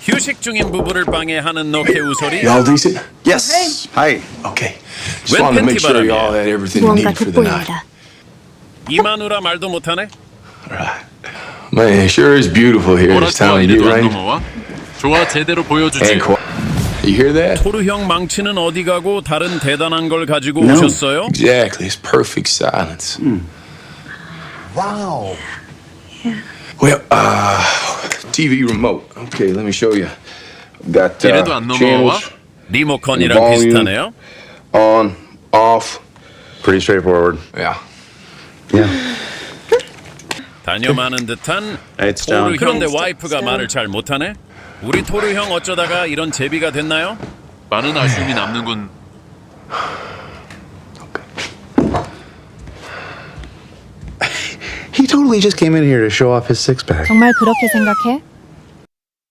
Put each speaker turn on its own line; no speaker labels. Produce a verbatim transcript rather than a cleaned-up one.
휴식 중인 부부를 방해하는 노케 우소리.
Y'all decent?
Yes. Hi.
Okay. Just wanted to make sure y'all had everything you
무언가
needed for the night.
돋보인다.
이마누라 말도 못하네.
Right. Man, it sure is beautiful here.
뭐라
This
좋아
time of
이래도
year,
안
right?
넘어와? 좋아 제대로 보여주지.
And quiet. You hear that?
토르 형 망치는 어디 가고 다른 대단한 걸 가지고
No.
오셨어요?
Exactly. It's perfect silence.
Wow.
Well, uh, T V remote. Okay, let me show you. Got
이래도
uh,
안 넘어와?
channels
리모컨이랑
Volume.
비슷하네요.
on, off.
Pretty straightforward.
Yeah.
Yeah.
다녀마는 듯한
It's
토르
down.
그런데 와이프가 말을 잘 못하네? 우리 토르 형 어쩌다가 이런 제비가 됐나요?
많은 아쉬움이 남는군.
He totally just came in here to show off his six pack.
정말 그렇게 생각해?